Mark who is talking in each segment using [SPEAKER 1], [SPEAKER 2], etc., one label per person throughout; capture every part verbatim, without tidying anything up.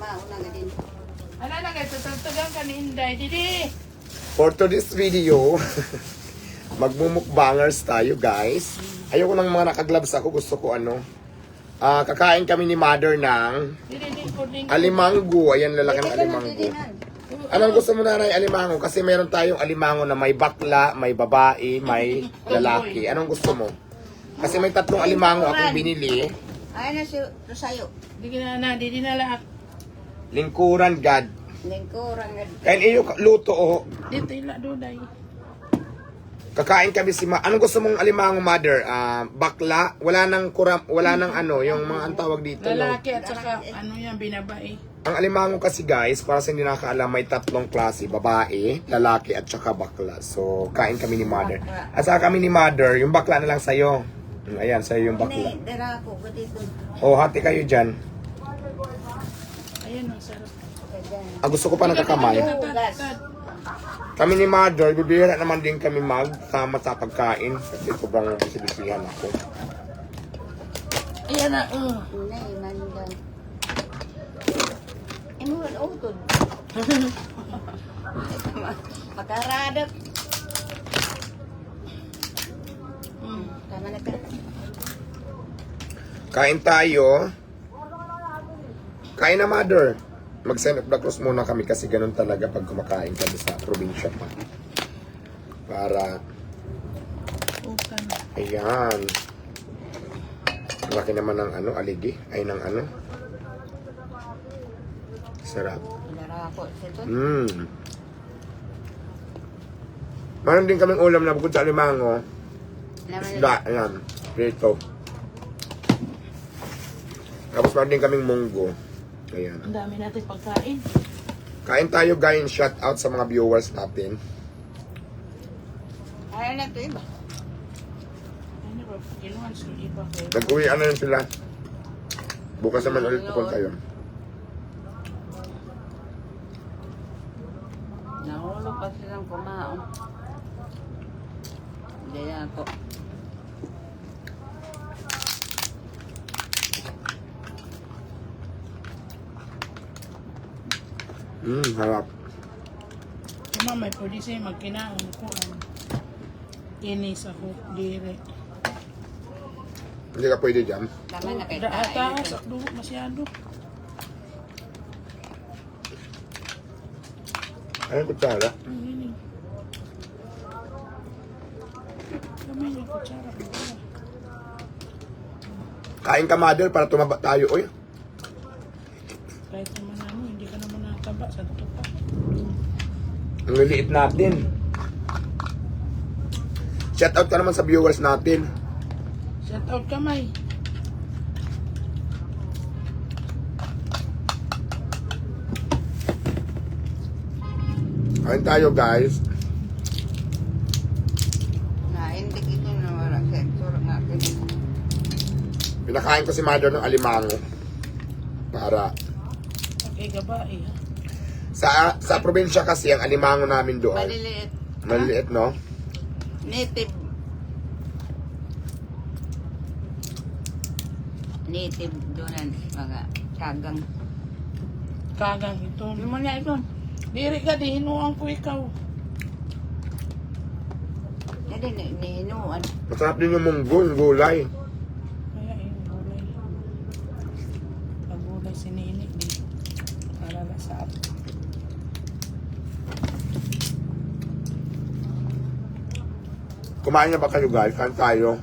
[SPEAKER 1] mauna nga din.
[SPEAKER 2] Ano na kayo, tutugtugan ka ni Inday. Didi!
[SPEAKER 3] For today's video, magmumukbangers tayo guys. Ayoko ng mga nakaglabs ako, gusto ko ano. Ah, kakain kami ni mother ng
[SPEAKER 2] Didi, didi, puding.
[SPEAKER 3] alimango. Ayan, lalaki ng
[SPEAKER 1] Dito na,
[SPEAKER 3] alimango.
[SPEAKER 1] dito na.
[SPEAKER 3] Anong gusto mo na rin alimango? Kasi meron tayong alimango na may bakla, may babae, may lalaki. Anong gusto mo? Kasi may tatlong alimango akong binili.
[SPEAKER 1] Ay na si Rosayo.
[SPEAKER 2] Didi na na, didi na lahat.
[SPEAKER 3] Lingkuran, God.
[SPEAKER 1] Lingkurang nga.
[SPEAKER 3] Kain iyo luto oh.
[SPEAKER 2] Dito ila duday.
[SPEAKER 3] Kakain kami si ma. Anong gusto mong alimango, mother? Ah, bakla? Wala nang kuram, wala nang ano, yung mga ang tawag dito, no?
[SPEAKER 2] Lalaki at saka ano yan, binabae.
[SPEAKER 3] Ang alimango kasi guys, para sa hindi nakakaalam, may tatlong klase, babae, lalaki at saka bakla. So, kain kami ni mother. At saka kami ni mother, yung bakla na lang sa'yo. Mm, Ayan, sa'yo yung bakla.
[SPEAKER 1] Hindi, dara ko ko dito.
[SPEAKER 3] O, hati kayo dyan.
[SPEAKER 2] Ayan, ang sarap.
[SPEAKER 3] Ah, gusto ko pa nagkakamay.
[SPEAKER 1] Hugas.
[SPEAKER 3] Kami ni mother, bibihira naman din kami magsama sa pagkain. Kasi sobrang bisibisihan ako.
[SPEAKER 2] Ayan na, uh.
[SPEAKER 1] Hindi, mandan. Imo ron utod. Makaradap. Hmm, tama na ka.
[SPEAKER 3] Kain tayo. Kain na, mother. Mag-send of the cross muna kami kasi ganun talaga pag kumakain kami sa probinsya pa. Para,
[SPEAKER 2] Ukan.
[SPEAKER 3] ayan. Ang laki naman ng ano, aligi. Ay, ng ano. Sarap.
[SPEAKER 1] Dara ko dito.
[SPEAKER 3] Mmm. Meron din kaming ulam na bukod sa alimango. Isda, ayan. Prito. Tapos meron din kaming munggo. Ayan.
[SPEAKER 2] Ang dami natin pagkain.
[SPEAKER 3] Kain tayo guys, shout out sa mga viewers natin.
[SPEAKER 1] Ay na to iba.
[SPEAKER 2] Ano ba, kinuhan sa iba kayo.
[SPEAKER 3] Nag-uwi ano yun sila. Bukas naman ulit pupunta yun.
[SPEAKER 1] Nahulog pa silang kumaon. Hindi na ako.
[SPEAKER 3] Mmm, harap.
[SPEAKER 2] Kama may pwede sa'yo magkinaon ko ang kinis ako dire.
[SPEAKER 3] Hindi ka pwede dyan.
[SPEAKER 1] Tama na kayo.
[SPEAKER 2] Taas, akdo masyado.
[SPEAKER 3] Ayun, kutsara.
[SPEAKER 2] Ang hinig. Kamay niya kutsara.
[SPEAKER 3] Kain ka, mother, para tumaba tayo. Uy,
[SPEAKER 2] Kahit naman ano, hindi ka naman nataba sa ito pa.
[SPEAKER 3] ang liliit natin. Shout out ka naman sa viewers natin.
[SPEAKER 2] Shout out kamay.
[SPEAKER 3] Kain tayo, guys.
[SPEAKER 1] Naindik ito na wala sa turok natin.
[SPEAKER 3] Pinakain ko si mother ng alimango. Para
[SPEAKER 2] Okay, gabae ha.
[SPEAKER 3] sa sa probinsya kasi ang alimango namin doon.
[SPEAKER 1] Maliliit.
[SPEAKER 3] Maliliit, no?
[SPEAKER 1] Native. Native doon mga kagang.
[SPEAKER 2] Kagang ito.
[SPEAKER 1] Ano mo na ito?
[SPEAKER 2] Diri ka, di hinuang ko ikaw.
[SPEAKER 1] Hindi, nihinuan.
[SPEAKER 3] Masarap din yung munggo, yung gulay.
[SPEAKER 2] Kaya yung gulay. Pag gulay sininik, di alala sa ato.
[SPEAKER 3] Kumain na ba kayo, guys? Kain tayo.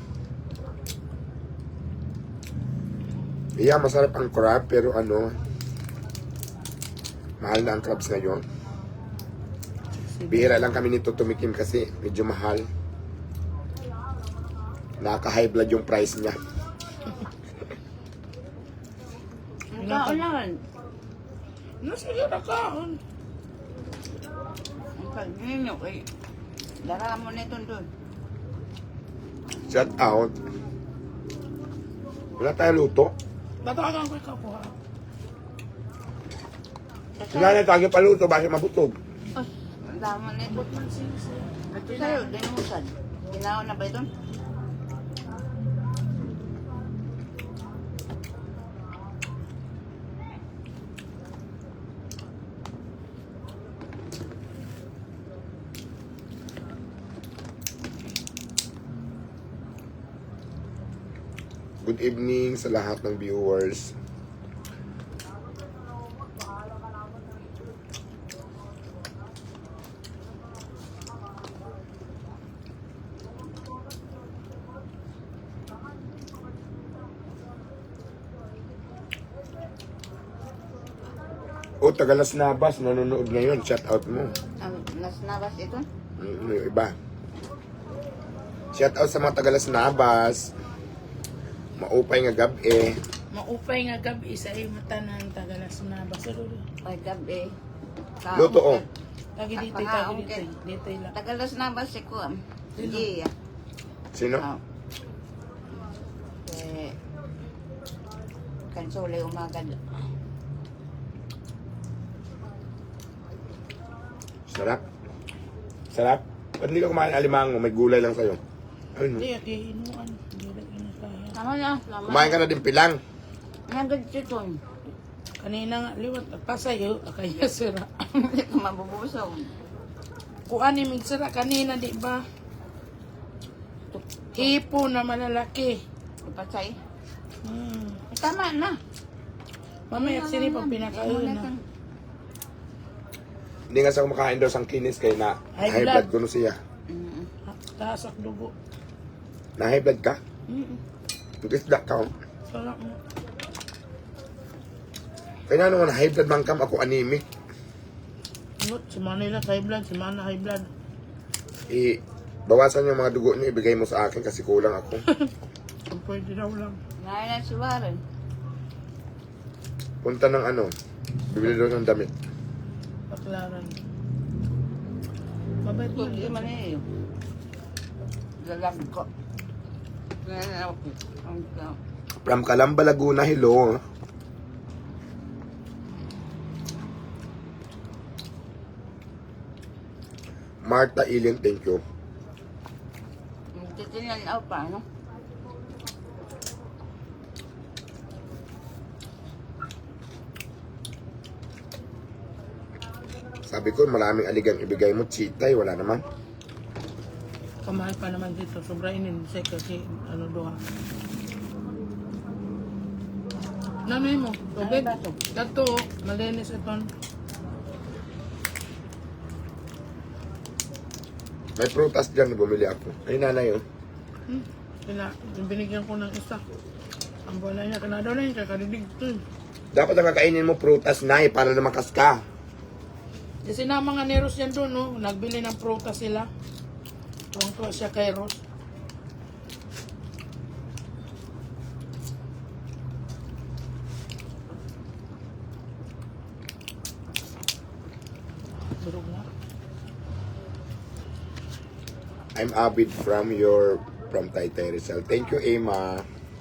[SPEAKER 3] Yeah, masarap ang crab, pero ano, mahal na ang crabs ngayon. Bihira lang kami nito tumikim kasi medyo mahal. Nakaka-high blood yung price niya.
[SPEAKER 1] Ang kaulan.
[SPEAKER 2] No, sige na kaon.
[SPEAKER 1] Ang pag-ninyo eh. Dara mo na ito doon.
[SPEAKER 3] Shout out. Wala tayo luto.
[SPEAKER 2] Batagan ko ikaw po ha.
[SPEAKER 3] Wala na tayo paluto, bakit mabutog?
[SPEAKER 1] Ay, ang dami na ito. Ito sa'yo, dinusan. Ginawa na ba ito?
[SPEAKER 3] Good evening sa lahat ng viewers. O, Tagalas Nabas, nanonood ngayon. Shout out mo.
[SPEAKER 1] Ang nas nabas ito?
[SPEAKER 3] Mm, yung iba. Shout out sa mga Tagalas Nabas. Maupay nga gabi.
[SPEAKER 2] Maupay nga gabi sa iyo mata ng tagalas na basuro.
[SPEAKER 1] Ay, gabi. Ka-
[SPEAKER 3] Luto, oh.
[SPEAKER 2] Tagi dito,
[SPEAKER 1] Ah,
[SPEAKER 2] tagi
[SPEAKER 1] okay.
[SPEAKER 2] dito. Dito lang.
[SPEAKER 1] Tagalas nabas si Kuam.
[SPEAKER 2] Sino?
[SPEAKER 1] Iya.
[SPEAKER 3] Sino?
[SPEAKER 1] Oh. Eh, kansole umagad.
[SPEAKER 3] Sarap. Sarap. Ba't hindi ka kumain alimango? May gulay lang sa'yo. Ayun.
[SPEAKER 2] Hindi, di inuan. Hindi rin inasaya.
[SPEAKER 1] Tama na. Tama.
[SPEAKER 3] Kumain ka na din pilang.
[SPEAKER 1] Nagad chiton.
[SPEAKER 2] Kanina nga, liwat. Pasayo, kaya sira.
[SPEAKER 1] Hindi ko mabubusaw.
[SPEAKER 2] Kuan ni migsira kanina, di ba? Hipo na malalaki.
[SPEAKER 1] Ipatay.
[SPEAKER 2] Hmm.
[SPEAKER 1] Tama na.
[SPEAKER 2] Mamaya sini pag pinakain na.
[SPEAKER 3] Hindi nga sa kumakain daw sang kinis kay na
[SPEAKER 2] High
[SPEAKER 3] high
[SPEAKER 2] blood.
[SPEAKER 3] blood ko no siya.
[SPEAKER 1] Mm.
[SPEAKER 2] Taas ang dugo.
[SPEAKER 3] Na high blood ka?
[SPEAKER 2] Mm-mm.
[SPEAKER 3] Isda ka. oh.
[SPEAKER 2] Sarap mo.
[SPEAKER 3] Kaya naman high blood man kam ako anemic.
[SPEAKER 2] Nut, si Manila high blood, si Mana high blood.
[SPEAKER 3] I bawasan yung mga dugo niyo ibigay mo sa akin kasi kulang ako.
[SPEAKER 2] Kung pwede daw lang.
[SPEAKER 1] Ngayon na si Warren.
[SPEAKER 3] Punta ng ano, bibili daw ng damit.
[SPEAKER 2] Paklaran. Mabait mo.
[SPEAKER 1] Hindi man eh. Galag ko. Ngayon ako. Ang ka.
[SPEAKER 3] From Calamba, Laguna, hello. Marta Ilin, thank you.
[SPEAKER 1] Titinan ako pa, no?
[SPEAKER 3] Sabi ko, maraming aligang ibigay mo, chitay, wala naman.
[SPEAKER 2] Kamahal pa naman dito. Sobra inin. Say kasi ano doha. Nanay mo. Tubig.
[SPEAKER 1] Ano ba to?
[SPEAKER 2] Dato. Malinis ito.
[SPEAKER 3] May prutas dyan, bumili ako. Ay, nanay, oh.
[SPEAKER 2] Hmm. Kina, yung binigyan ko ng isa. Ang bola niya. Kanado na yun. Kakadidig to.
[SPEAKER 3] Dapat ang kakainin mo prutas, nay, para na makas ka.
[SPEAKER 2] Kasi na mga ni Ros yan doon, no? Nagbili ng prutas sila. Tuwang-tuwa siya kay Ros. Durog na.
[SPEAKER 3] I'm Abid from your, from Taytay Rizal. Thank you, Emma.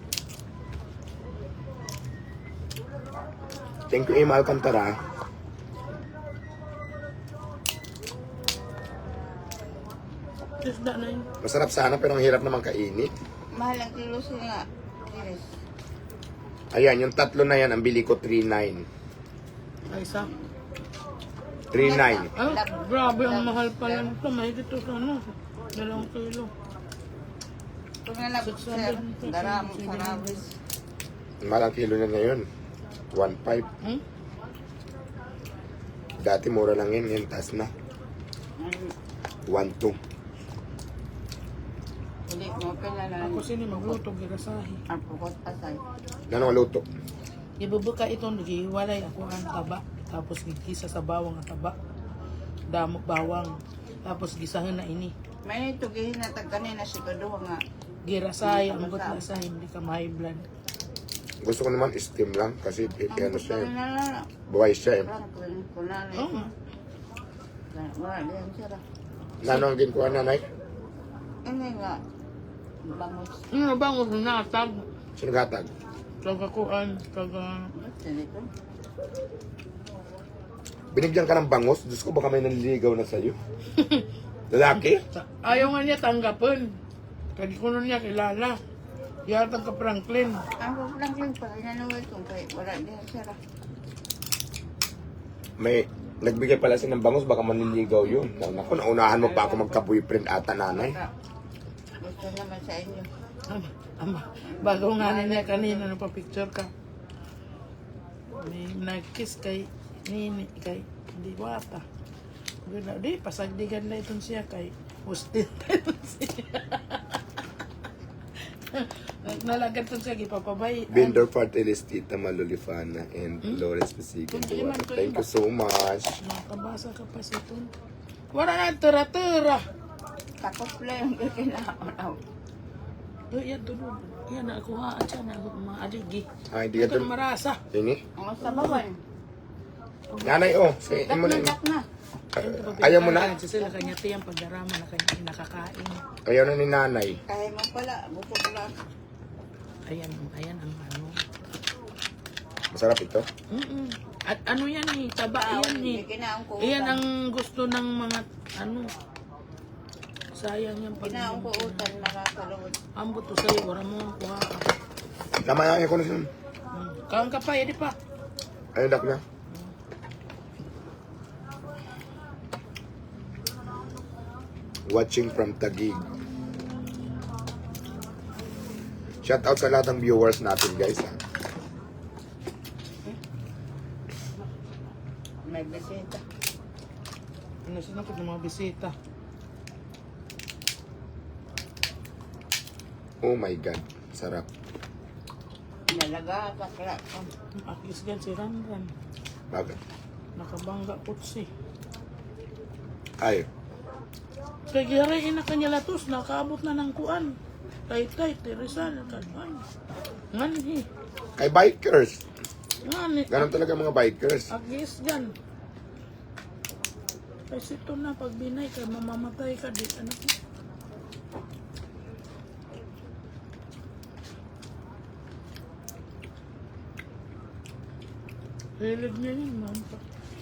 [SPEAKER 3] Thank you, Emma Alcantara.
[SPEAKER 2] Isda na yun.
[SPEAKER 3] Masarap sana pero ang hirap naman kainin.
[SPEAKER 1] Mahal ang kilo sila. Iris.
[SPEAKER 3] Ayan, yung tatlo na yan, ang bili ko three nine.
[SPEAKER 2] Ay, isa.
[SPEAKER 3] three nine.
[SPEAKER 2] Ah, grabe ang mahal pala nito. Mahigit ito sa ano. Dalawang kilo.
[SPEAKER 1] Kung nalabot sir, dara mo sa rabis.
[SPEAKER 3] Malang kilo na ngayon. one five.
[SPEAKER 2] Hmm?
[SPEAKER 3] Dati mura lang yun, yan taas na. one two.
[SPEAKER 1] Hindi mo pinala
[SPEAKER 2] Ako sini magluto, girasahi.
[SPEAKER 1] ang pukot asay.
[SPEAKER 3] Ano ang luto?
[SPEAKER 2] Ibubuka ito, nagihiwalay ako ang taba. Tapos gigisa sa bawang ang taba. Damok bawang. Tapos gisahin na ini.
[SPEAKER 1] May tugihin na tag kanina si Kaduha nga.
[SPEAKER 2] Girasay, ang gut na sa hindi ka may blood.
[SPEAKER 3] Gusto ko naman steam lang kasi eh,
[SPEAKER 1] Ang
[SPEAKER 3] ano
[SPEAKER 1] gusto
[SPEAKER 3] siya, eh,
[SPEAKER 1] na na.
[SPEAKER 3] buhay siya eh.
[SPEAKER 1] Parang kun- kunali.
[SPEAKER 2] Oo nga.
[SPEAKER 1] Wala diyan sira.
[SPEAKER 3] Nano ang ginkuha nanay?
[SPEAKER 1] Ini nga. Bangus.
[SPEAKER 2] Ano ba ang natag?
[SPEAKER 3] Sino gatag?
[SPEAKER 2] Kagakuan, kaga...
[SPEAKER 1] Basta dito.
[SPEAKER 3] Binigyan ka ng bangos? Diyos ko baka may nanliligaw na sa'yo. Lalaki?
[SPEAKER 2] Ayaw nga niya tanggapin. Kadi ko nun niya kilala. Yatang ka Franklin.
[SPEAKER 1] Ang lang lang pa inanuwi ko kay wala diyan sira.
[SPEAKER 3] May nagbigay pala siya ng bangos baka manliligaw yun. Naku, naunahan mo pa ako magka-boyfriend ata nanay.
[SPEAKER 1] Gusto naman sa inyo.
[SPEAKER 2] Ama, bago nga niya kanina nagpa-picture ka. May nag-kiss kay Nini, kay Diwata. Ganda, di, pasagdigan na itong siya kay hostel siya. Nalagan itong siya, ipapabay.
[SPEAKER 3] Vendor Partilis, Tita Malolifana, and Lawrence Pasigan. Thank you so much.
[SPEAKER 2] Nakabasa ka pa sa ito. Wala na, tira-tira.
[SPEAKER 1] Tapos lang yung kinaon.
[SPEAKER 2] Uy, yan, tulog. Yan, nakuhaan siya na mga aligi.
[SPEAKER 3] Ay, di ka
[SPEAKER 2] Ito
[SPEAKER 3] dun.
[SPEAKER 2] marasa.
[SPEAKER 3] Ini?
[SPEAKER 1] Ang sabawan.
[SPEAKER 3] Nanay, oh. Say,
[SPEAKER 1] Dak
[SPEAKER 3] mo
[SPEAKER 1] na,
[SPEAKER 3] na.
[SPEAKER 1] dak na.
[SPEAKER 3] Ayaw mo na?
[SPEAKER 2] Sila kanya tiyang pagdarama na kanya nakakain.
[SPEAKER 3] Ayaw na ni nanay.
[SPEAKER 1] Kaya mo pala, bukod lang.
[SPEAKER 2] Ayan, ayan ang ano.
[SPEAKER 3] Masarap ito.
[SPEAKER 2] Mm-mm. At ano yan eh, taba yan eh.
[SPEAKER 1] May kinaon ko
[SPEAKER 2] Iyan
[SPEAKER 1] utan.
[SPEAKER 2] ang gusto ng mga ano. Sayang yan pag
[SPEAKER 1] Kinaon ko utan, nakakalawad.
[SPEAKER 2] ambot to sa'yo, wala mo ang kuha ka.
[SPEAKER 3] Tama yan, ko na siya.
[SPEAKER 2] Hmm. Kaon ka pa, edi pa.
[SPEAKER 3] Ayun, dak na. Watching from Taguig. Shout out sa lahat ng viewers natin, guys. Ha?
[SPEAKER 1] May bisita.
[SPEAKER 2] Ano sinapit ng mga bisita.
[SPEAKER 3] Oh my God. Sarap.
[SPEAKER 1] Nalaga, bakla.
[SPEAKER 2] Akis gan si Ranran.
[SPEAKER 3] Bakit?
[SPEAKER 2] Nakabangga putsi.
[SPEAKER 3] Ay.
[SPEAKER 2] Kaya girahin na kanya latos, nakaabot na ng kuan. Tay-tay, Teresal, kanuan. Ngani,
[SPEAKER 3] Kay bikers.
[SPEAKER 2] ngani.
[SPEAKER 3] Ganon talaga mga bikers.
[SPEAKER 2] Agis gan. Kasi ito na, pag binay ka, mamamatay ka di. Ano ko? Hilig niya yun, mampa.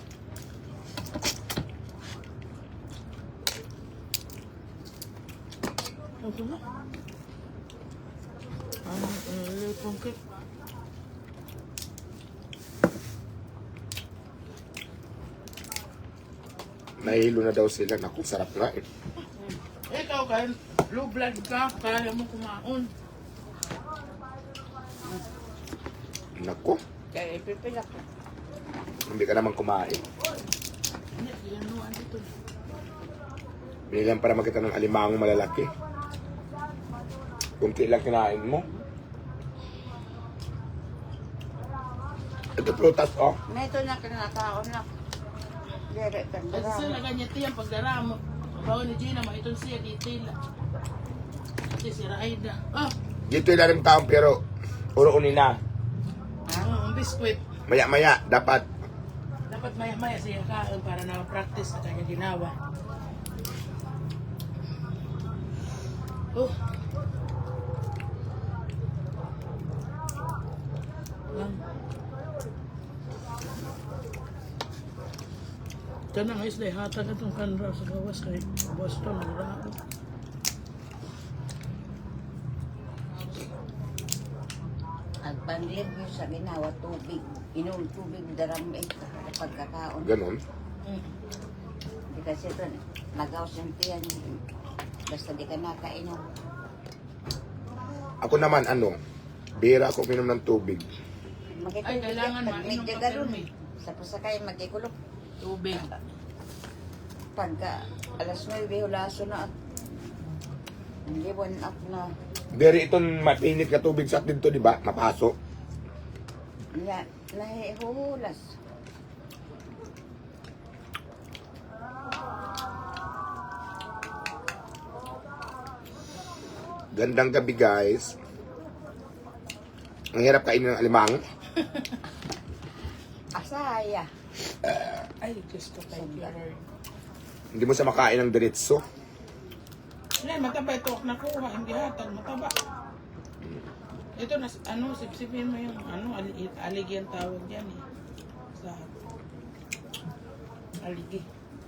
[SPEAKER 2] Ito na. Ano, hilig kong cake.
[SPEAKER 3] Nahihilo na daw sila. Naku, sarap nga eh.
[SPEAKER 2] Ikaw kahit low blood ka, kaya mo kumaon.
[SPEAKER 3] Naku,
[SPEAKER 1] Kaya ipipilak.
[SPEAKER 3] hindi ka naman kumain.
[SPEAKER 2] Hindi, yan no, ano ito.
[SPEAKER 3] Binilang para makita ng alimangong malalaki. Kunti lang kinain mo. Ito prutas, oh.
[SPEAKER 1] May ito na kinakaon na. Dire,
[SPEAKER 2] Kasi
[SPEAKER 1] tandara.
[SPEAKER 2] sila ganyan tiyang pagdaramo. Bawa ni Gina, maitong siya detail. Kasi si Raida. Ah,
[SPEAKER 3] Dito ilalim taong pero puro unina.
[SPEAKER 2] ang biskwit.
[SPEAKER 3] Maya-maya, dapat.
[SPEAKER 2] Dapat maya-maya siya kain para na-practice na kanya ginawa. Oh. Lang. Kanang isla, hatag itong kanra sa gawas kay Boston, nagrao.
[SPEAKER 1] Ang panlir mo sa ginawa, tubig. Inom tubig, daram eh. Pagkakaon.
[SPEAKER 3] Ganon.
[SPEAKER 2] Mm.
[SPEAKER 1] Di kasi ito, nagaw siyang basta di ka nakainom.
[SPEAKER 3] Ako naman, ano, bira ako minom ng tubig.
[SPEAKER 2] Ay, kailangan mainom
[SPEAKER 1] Medyo
[SPEAKER 2] ka
[SPEAKER 1] galon.
[SPEAKER 2] permi.
[SPEAKER 1] Sa pasakay, magikulog.
[SPEAKER 2] Tubig.
[SPEAKER 1] Pagka alas nueve, hulaso na at liwan up na.
[SPEAKER 3] Dere itong mapinit na tubig sa atin to, di ba? Mapaso.
[SPEAKER 1] Na, nahihulas.
[SPEAKER 3] Gandang gabi, guys. Ang hirap kainin ng alimang.
[SPEAKER 1] Asaya.
[SPEAKER 2] Ay, Diyos ko, thank you, Lord.
[SPEAKER 3] Hindi mo siya makain ng diretso.
[SPEAKER 2] Yan, mataba ito. Nakuha, hindi hatag, mataba. Ito, nas, ano, sipsipin mo yung, ano, ali, aligi ang tawag yan eh. Sa, aligi.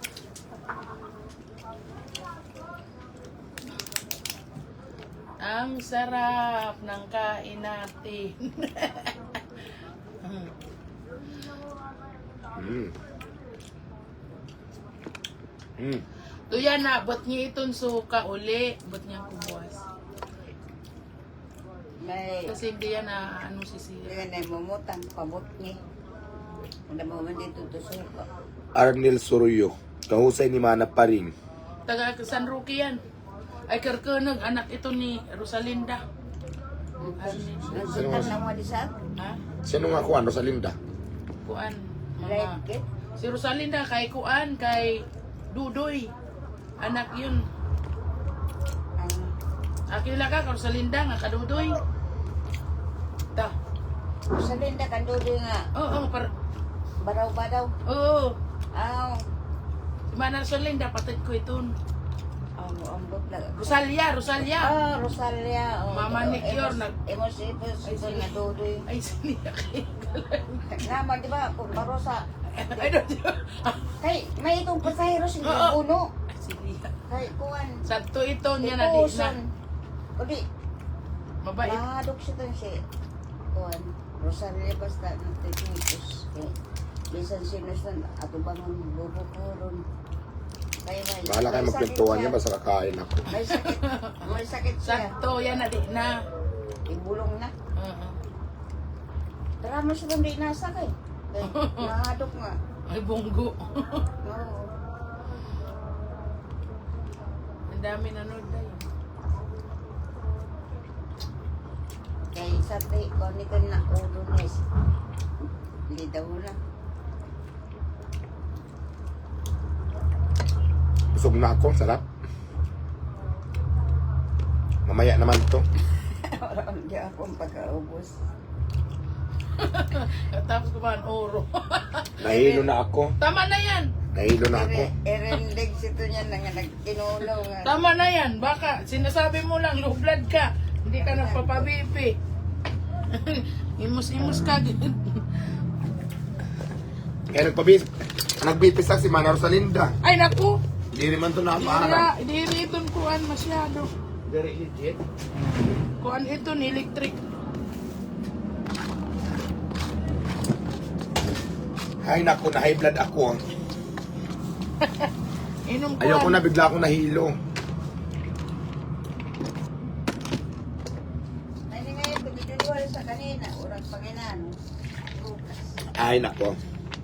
[SPEAKER 2] Ang sarap ng kain natin.
[SPEAKER 3] Mm. Mm.
[SPEAKER 2] Tuya na, ba't niya itong suka uli? Ba't niya kubuwas?
[SPEAKER 1] May,
[SPEAKER 2] Kasi hindi yan na ano si Sira.
[SPEAKER 1] hindi na mamutang, pabot niya. Wala mo man dito to suka.
[SPEAKER 3] Arnel Soroyo. Kahusay ni Mana pa rin.
[SPEAKER 2] Taga San Roque yan. Ay karkunag, anak ito ni Rosalinda.
[SPEAKER 1] Nagsitan na mo di sa
[SPEAKER 2] Ha?
[SPEAKER 3] Sino nga kuan, Rosalinda?
[SPEAKER 2] Kuan.
[SPEAKER 1] right
[SPEAKER 2] Mga,
[SPEAKER 1] kit.
[SPEAKER 2] si Rosalinda kay Kuan, kay Dudoy. Anak yun.
[SPEAKER 1] Ang
[SPEAKER 2] Akila ka, kay Rosalinda nga kadudoy. Ta.
[SPEAKER 1] sa linda kandudo nga
[SPEAKER 2] Oo, oh, par...
[SPEAKER 1] baraw-baraw.
[SPEAKER 2] Oo.
[SPEAKER 1] Aw,
[SPEAKER 2] Si Mana Rosalinda, patid ko ito.
[SPEAKER 1] ang ambot na.
[SPEAKER 2] Rosalia, Rosalia.
[SPEAKER 1] Ah, Rosalia. oh.
[SPEAKER 2] Mama ni Kior,
[SPEAKER 1] Emos-
[SPEAKER 2] nag-
[SPEAKER 1] Emos ipos
[SPEAKER 2] Ay,
[SPEAKER 1] ito
[SPEAKER 2] sige.
[SPEAKER 1] nga dudoy.
[SPEAKER 2] Ay, siniyak eh.
[SPEAKER 1] Naman di ba kung barosa.
[SPEAKER 2] Ay, don't you?
[SPEAKER 1] Kay may itong pasahero sa
[SPEAKER 2] Oo.
[SPEAKER 1] puno.
[SPEAKER 2] Ay, siniyak.
[SPEAKER 1] Kay kuan.
[SPEAKER 2] Sakto ito niya na di na.
[SPEAKER 1] Ipuson. Odi,
[SPEAKER 2] Mabait.
[SPEAKER 1] mahadok siya to si kuan. Rosalia basta nagtitinipos. Kay bisan sinusan ato bangon bubukuron. Kaya may
[SPEAKER 3] Bahala kayo
[SPEAKER 1] may sakit
[SPEAKER 3] magpintuan
[SPEAKER 1] siya.
[SPEAKER 3] niya, basta kakain ako.
[SPEAKER 1] May sakit. May sakit siya.
[SPEAKER 2] Sakto yan na di na.
[SPEAKER 1] Ibulong na.
[SPEAKER 2] Oo.
[SPEAKER 1] Tara mo siya kung di nasa kay. Kay mahadok nga.
[SPEAKER 2] Ay, bunggo.
[SPEAKER 1] Oo.
[SPEAKER 2] Ang dami nanood na yun.
[SPEAKER 1] Kay sa te, kung ni na ulo niya. Hindi daw na.
[SPEAKER 3] Busog na ako, sarap. Mamaya naman to.
[SPEAKER 1] Parang hindi akong pagkaubos.
[SPEAKER 2] Tapos ko ba ang oro?
[SPEAKER 3] Nahilo na ako.
[SPEAKER 2] Tama na yan.
[SPEAKER 3] Nahilo na ako.
[SPEAKER 1] Erendig sito niya na nga nagkinulaw nga.
[SPEAKER 2] Tama na yan. Baka sinasabi mo lang, low blood ka. Hindi ka nagpapabipi. Imus-imus ka.
[SPEAKER 3] Kaya nagpabis, nagbipis lang si Mana Rosalinda.
[SPEAKER 2] Ay, naku.
[SPEAKER 3] Hindi naman to
[SPEAKER 2] Hindi
[SPEAKER 3] napaharap.
[SPEAKER 2] hindi ito kuan masyado.
[SPEAKER 3] Very legit.
[SPEAKER 2] Kuan ito ni electric.
[SPEAKER 3] Ay naku, na high blood ako.
[SPEAKER 2] Inom kuan.
[SPEAKER 3] Ayoko na, bigla akong nahilo.
[SPEAKER 1] Ay, hindi ngayon, pagdidiliwala sa kanina, urang paginano. Bukas.
[SPEAKER 3] Ay nako.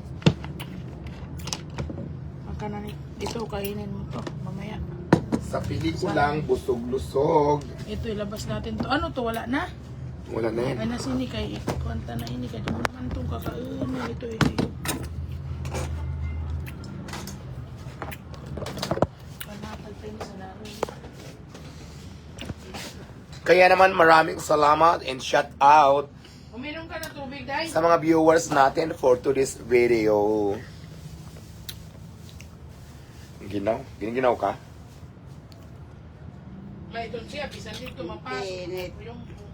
[SPEAKER 2] Maka na ni. Ito, kainin mo to. Mamaya.
[SPEAKER 3] Sa pelikulang busog-lusog.
[SPEAKER 2] Ito, ilabas natin to. Ano to? Wala na?
[SPEAKER 3] Wala na yan.
[SPEAKER 2] Ay, nasini kay kwanta na ini. Kaya mo naman itong kakainin. Ito, eh. Panapal pa yun sa laro.
[SPEAKER 3] Kaya naman maraming salamat and shout out
[SPEAKER 2] Uminom ka na tubig, dahil.
[SPEAKER 3] sa mga viewers natin for today's video. Ginaw? Giniginaw ka?
[SPEAKER 2] May doon siya. Bisan dito, mapas.
[SPEAKER 1] Init.
[SPEAKER 2] Yung